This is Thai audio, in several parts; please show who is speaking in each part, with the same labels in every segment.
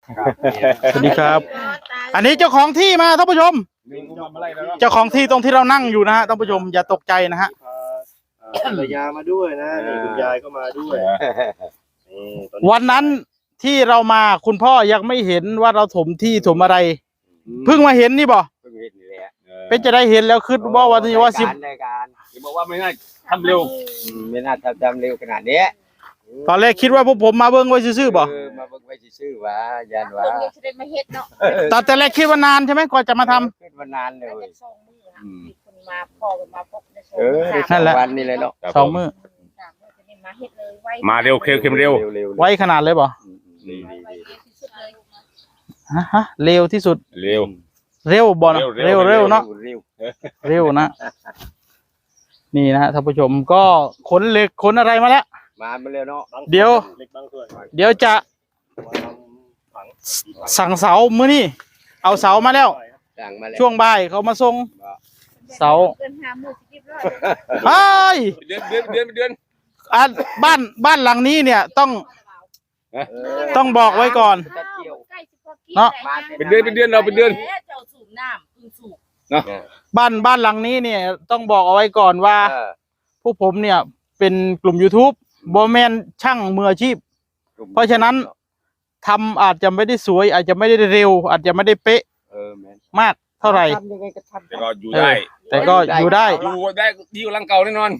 Speaker 1: สวัสดีครับอันนี้เจ้าของที่มาท่านผู้ชมเจ้าของที่ตรงที่เรานั่งอยู่นะฮะท่านผู้ชมอย่าตกใจนะฮะ
Speaker 2: ภรรยามาด้วยนะนี่คุณยายก็มาด้วย
Speaker 1: วันนั้นที่เรามาคุณพ่อยังไม่เห็นว่าเราถมที่ถมอะไรเพิ่งมาเห็นนี่บ่เป็นจะได้เห็นแล้วคือว่าวันนี้ว่าสิบ
Speaker 3: บอกว่าไม่น่าทำเร็ว
Speaker 4: ไม่น่าทำเร็วขนาดนี้
Speaker 1: ตอนแรกคิดว่าพวกผมมาเบิ้งไว้ซื่อๆบ่
Speaker 4: มาเบิ่งไว้ซื่อว่ายันว่า
Speaker 1: ตอนแต่แรกคิดว่านานใช่ไหมกว่าจะมาทำ
Speaker 4: คิดว่านานเลย
Speaker 5: มาพ่อมาพบในโซน
Speaker 1: นั่นแหละ
Speaker 4: วันนี้เลยเนาะ
Speaker 1: สองมื้อ
Speaker 3: มาเร็วเข้มเร็ว
Speaker 1: ไว้ขนาดเลยบ่ฮะเร็วที่สุด
Speaker 3: เร็ว
Speaker 1: เร็วบ่เนาะเร็วเนาะเร็วนะนี่นะฮะท่านผู้ชมก็ขนเหล็กขนอะไรมาแล้ว
Speaker 4: มาเร็วเนาะ
Speaker 1: เดี๋ยวจะสั่งเสามื้อนี้เอาเสามาแล้วช่วงบ่ายเขามาส่งเสาเฮ้ย
Speaker 3: เดือน
Speaker 1: บ้านหลังนี้เนี่ยต้องบอกไว้ก่อนเนาะ
Speaker 3: เป็นเดือนเราเป็นเดือน
Speaker 1: บ้านหลังนี้เนี่ยต้องบอกเอาไว้ก่อนว่าพวกผมเนี่ยเป็นกลุ่ม YouTube บอแมนช่างมืออาชีพเพราะฉะนั้นทำอาจจะไม่ได้สวยอาจจะไม่ได้เร็วอาจจะไม่ได้เป๊ะมากเท่าไหร่
Speaker 3: แต่ก็อยู่ได้
Speaker 1: อยู่ได้
Speaker 3: ดีกว่าหลังเก่าแน่นอน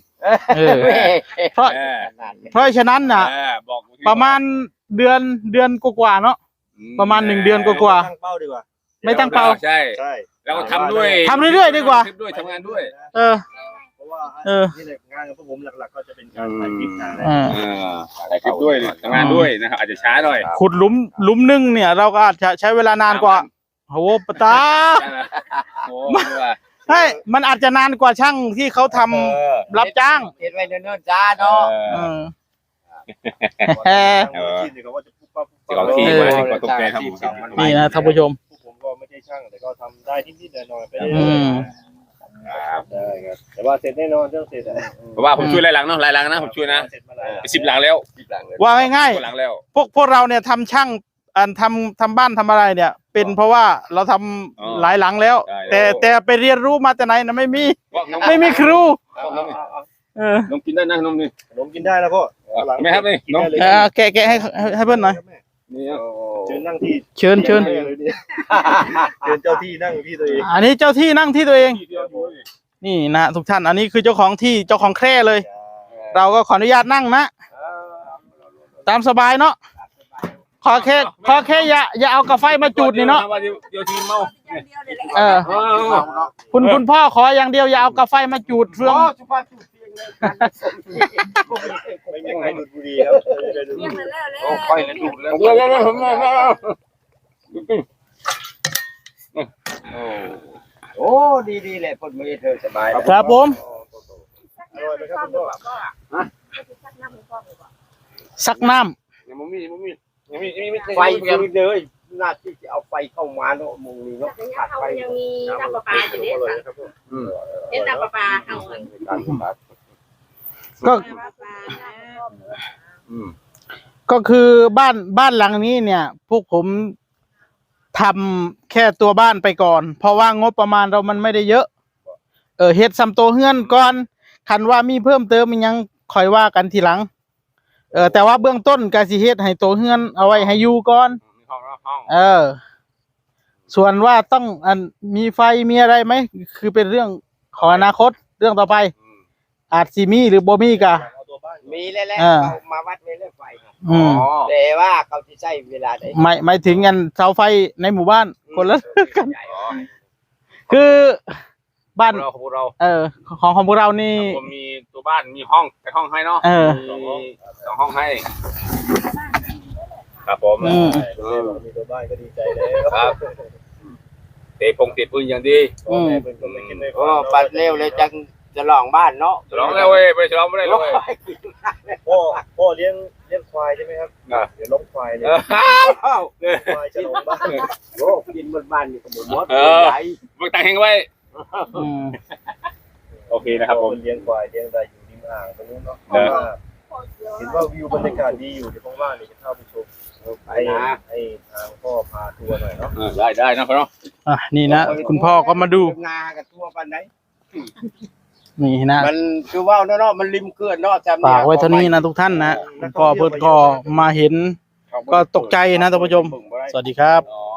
Speaker 1: เพราะฉะนั้นน่ะประมาณเดือนกว่าเนาะประมาณ1 เดือนกว่าไม่ตั้งเป้า
Speaker 3: ใช่แล้วก็ทำด้วย
Speaker 1: ทำเรื่อยๆดีกว่า
Speaker 3: ทำงานด้วย
Speaker 2: เพราะว่านี่แหละงานของผมหลักๆก็จะเป็นการถ่ายคลิป
Speaker 3: ถ่ายคลิปด้วยทำงานด้วยนะครับอาจจะช้าหน่อย
Speaker 1: ขุดหลุมนึงเนี่ยเราก็อาจจะใช้เวลานานกว่าโอ้โหปตาใช่มันอาจจะนานกว่าช่างที่เขาทำรับจ้าง
Speaker 4: เห็นไว้เนิ่นๆจ้าเนาะ
Speaker 1: นี่นะท่านผู้ชม
Speaker 2: ผมก็ไม่ใช่ช่างแต่ก็ทำได้นิดๆหน่อยๆไปเรื่อยๆแต่ว่าเสร็จแน่นอนเสร็จ
Speaker 3: เพราะว่าผมช่วยหลายหลังเนาะหลายหลังนะผมช่วยนะ10 หลังแล้ว
Speaker 1: ว่าง่ายๆพวกเราเนี่ยทำช่างทำบ้านทำอะไรเนี่ยเป็นเพราะว่าเราทำหลายหลังแล้วแต่ไปเรียนรู้มาแต่ไหนนะไม่มีครู
Speaker 3: นมกินได้นะนมนี่
Speaker 2: นมกินได้แล้วพ่อ
Speaker 3: ไม่ครับนี่นม
Speaker 1: แกะให้เพื่อนหน่อย
Speaker 2: เชิญนั่งที่
Speaker 1: เชิญเจ้
Speaker 2: าที่นั่งที่ตัวเอง
Speaker 1: อันนี้เจ้าที่นั่งที่ตัวเองนี่นะทุกท่านอันนี้คือเจ้าของที่เจ้าของแคร่เลยเราก็ขออนุญาตนั่งนะตามสบายเนาะขอแค่อย่าเอากาแฟมาจุดนี่เนาะ
Speaker 3: เดี๋ยวทีเมา
Speaker 1: คุณพ่อขออย่างเดียวอย่าเอากาแฟมาจุดเฟือง
Speaker 2: ไม่ให้ดูดบุหรี่ครับ
Speaker 4: ค่อยเลยดูดแล้วโอ้ดีเลยคนมือเธอสบาย
Speaker 1: ครับผมซักน้ำ
Speaker 4: ไฟเลยน่าที่จะเอาไฟเข้ามาเนาะมุงนี้เนาะขาดไฟ
Speaker 5: ยังมีน้ำประปาอยู่เนี่ยเห็นน้ำประปาเอา
Speaker 1: ก็คือบ้านหลังนี้เนี่ยพวกผมทำแค่ตัวบ้านไปก่อนเพราะว่างบประมาณเรามันไม่ได้เยอะเฮ็ดซ้ำโตเฮือนก่อนคันว่ามีเพิ่มเติมยังค่อยว่ากันทีหลังแต่ว่าเบื้องต้นก็สิเฮ็ดให้โตเฮือนเอาไว้ให้อยู่ก่อนส่วนว่าต้องมีไฟมีอะไรไหมคือเป็นเรื่องของอนาคตเรื่องต่อไปอาจสิมีหรือบ่มีก็
Speaker 4: มีแล้วมาวัดเรื่องไฟแต่ว่าเขาจะใช้เวลาได้
Speaker 1: หมายถึงกันเสาไฟในหมู่บ้านคนละกันคือบ้าน
Speaker 3: ของเรา
Speaker 1: ของพวกเรานี่
Speaker 3: ผมมีตัวบ้านมีห้องให้เนาะมี2 ห้องให้ครับผม
Speaker 2: มีตัวบ้านก็ดีใจแล้ว
Speaker 3: ครับเตะพื้นอย่างดี
Speaker 4: ปัดเร็วเลยจังจะลองบ้านเนาะ
Speaker 3: จะลองแล้วเว้ยไปจะลองไม่ได้เลย
Speaker 2: พ่อเลี้ยงควายใช่ไหมครับเดี๋ยวล้มควายเลยควายจะลงบ้าน
Speaker 4: โอ้กินบนบ้านนี่ก็หมด
Speaker 3: ใหญ่บึกแต่งแห้งไว้โอเคนะครับผม
Speaker 2: เลี้ยงควายเลี้ยงอะไรอยู่ริมอ่างตรงนู้นเนาะเห็นว่าวิวบรรยากาศดีอยู่ในห้องว่างนี่จะเข้าไปชมให้ทางพ่อตัวหน่อยเนาะ
Speaker 3: ได้นะพ่อเนาะ
Speaker 1: นี่นะคุณพ่อก็มาดู
Speaker 4: นากับตัวปันไหน
Speaker 1: นี่นะ
Speaker 4: มันคือว่าเนาะมันริมเกลือนเนาะ
Speaker 1: ฝากไว้เท่านี้นะทุกท่านนะก็เพิ่นก็มาเห็นก็ตกใจนะท่านผู้ชม สวัสดีครับ
Speaker 3: อ๋อ